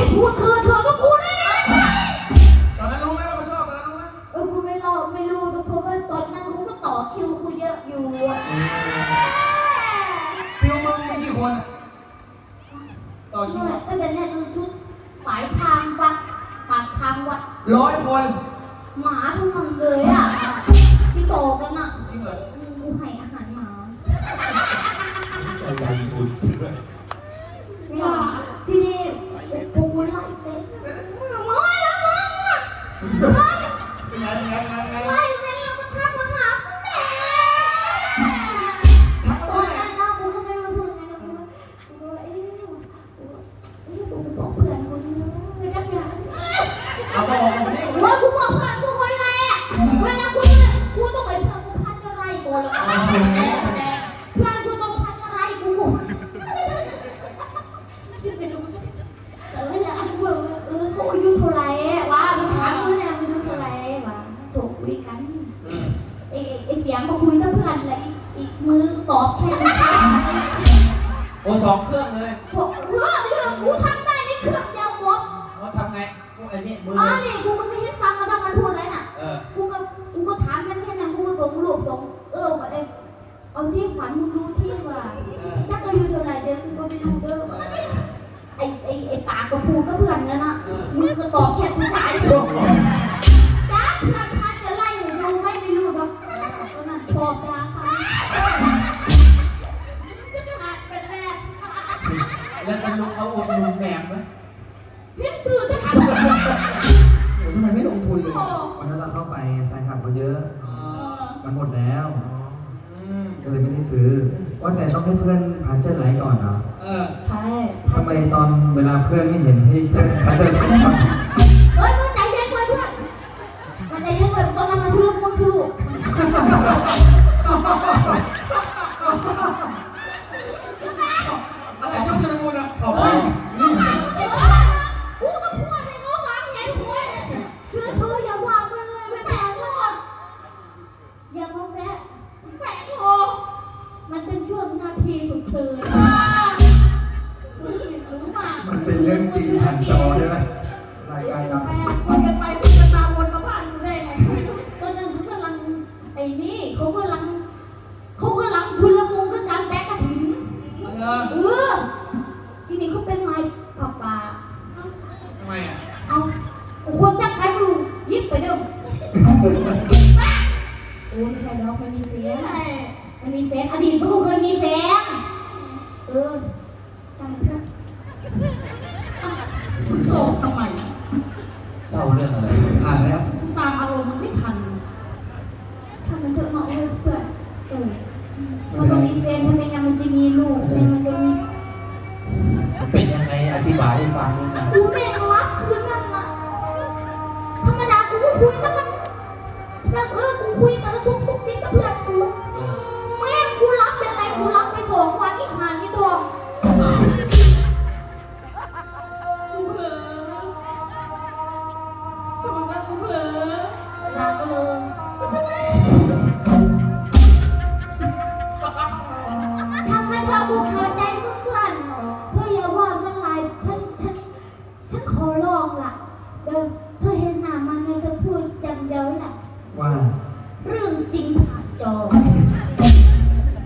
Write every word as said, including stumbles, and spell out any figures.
พูดเธอเธอก็พูดได้ตอนนั้นรู้ไหมว่าเขาชอบตอนนั้นรู้ไหมเออกูไม่รอไม่รู้แต่เพราะว่าตอนนั้นกูก็ต่อคิวกูเยอะอยู่คิวมึงมีกี่คนต่อคิวก็จะเนี่ยดูชุดหมายทางวัดปากทางวัดร้อยคนหมาทั้งมันเลยอ่ะที่โตกันอ่ะจริงเหรอกูให้อาหารหมาใจบุญที่นี่กูไล่เซ็ตมึงไล่แล้วมึงอ่ะเป็นไงเป็นไงเป็นไงไล่เซ็ตแล้วก็ทักมาหากูแม่ตอนนั้นนะกูก็ไม่รู้เพื่อนไงนะกูกูก็เอ๊ะกูบอกเพื่อนกูไม่จับยาเอาต่อเอาไปนี่ว่ากูบอกเพื่อนกูคนแรกเวลากูกูต้องไปเพื่อนกูพัดจะไล่กูแล้วเพื่อนกูต้องพัดจะไล่กูเออเนี่ยเออเออเขาอายุเท่าไรวะมันถามกูเนี่ยมันอายุเท่าไรวะถูกคุยกันไอ้ไอ้เสียงมาคุยกับเพื่อนแล้วอีกมือตอบแค่นี้โอ้สองเครื่องเลยบอกเออเรื่องกูทำได้ในเครื่องเดียวหมดเขาทำไงกูไอ้นี่มืออ๋อนี่กูก็ไม่ให้ฟังแล้วถ้ามันพูดอะไรน่ะกูก็กูก็ถามมันแค่นั้นกูก็ส่งรูปส่งเออว่าไอ้เอาที่ขวัญมึงรู้ที่ว่าถ้าอายุเท่าไรเดี๋ยวกูก็ไม่รู้เด้อไอ้ไอ้ไอ้ปากก็พูดกับเพื่อนนั่นน่ะมึงก็ตอบแค่ผู้ชายจ้าเพื่อนพัดจะไล่หนูดูไม่ไม่รู้แบบก็นั่นชอบยาค่ะเป็นแรกแล้วสรุปเขาอุดหนุนแหนมไหมพิมพ์ถือจะทำทำไมไม่ลงทุนเลยวันนั้นเราเข้าไปแฟนคลับเขาเยอะมันหมดแล้วก็เลยไม่ได้ซื้อว่าแต่ต้องให้เพื่อนพาเจอร์ไลท์ก่อนเนาะเออใช่ทำไมตอนเวลาเพื่อนไม่เห็นให้เพื่อนพาเจอร์ไลท์ก่อนเฮ้ยมันใจเย็นไว้เพื่อนมันใจเย็นไว้ตอนนั้นมันทุลุมันทุลุอะไรชอบจะพูดนะโอ้ยนี่กูก็พูดให้เขาฟังเห็นคุยคือเธออย่าวางมันเลยไม่แพ้หรอกอย่ามาแฝงแฝงโอมันเป็นช่วงนาทีฉุกเฉินมันเป็นเรื่องจริงผ่านจอใช่ไหมรายการดังคุยกันไปคุยกันมาวนมาผ่านกูได้ไงตอนนั้นเขากำลังไอ้นี่เขากำลังเขากำลังชุลมุนก็การแบกกระถิ่นเออทีนี้เขาเป็นไม้ป่าป่าทำไมอ่ะเอาคนจักใครไม่รู้ยิบไปเดิมโอ้ไม่ใช่ดอกไม่มีแฟนไม่มีแฟนอดีตก็เคยมีแฟนเออจังเพื่อนโซ่ทำไมเศร้าเรื่องอะไรผ่านแล้วตามอารมณ์มันไม่ทันทำมันเถอะเนาะเพื่อนเออพอมันมีแฟนทำไมยังมันจะมีลูกทำไมมันจะมีเป็นยังไงอธิบายให้ฟังด้วยนะกูแม่งรักคืนนั่นนะธรรมดากูก็คุยแต่มันแล้วเออกูคุยแต่ละทุกทุกนิดกับเพื่อนกูแม่งกูรับยังไงกูรับไปสองวันอีกหานที่ตัวกูเผลอสองวันกูเผลอรักเลยทำให้เธอกูเข้าใจเพื่อน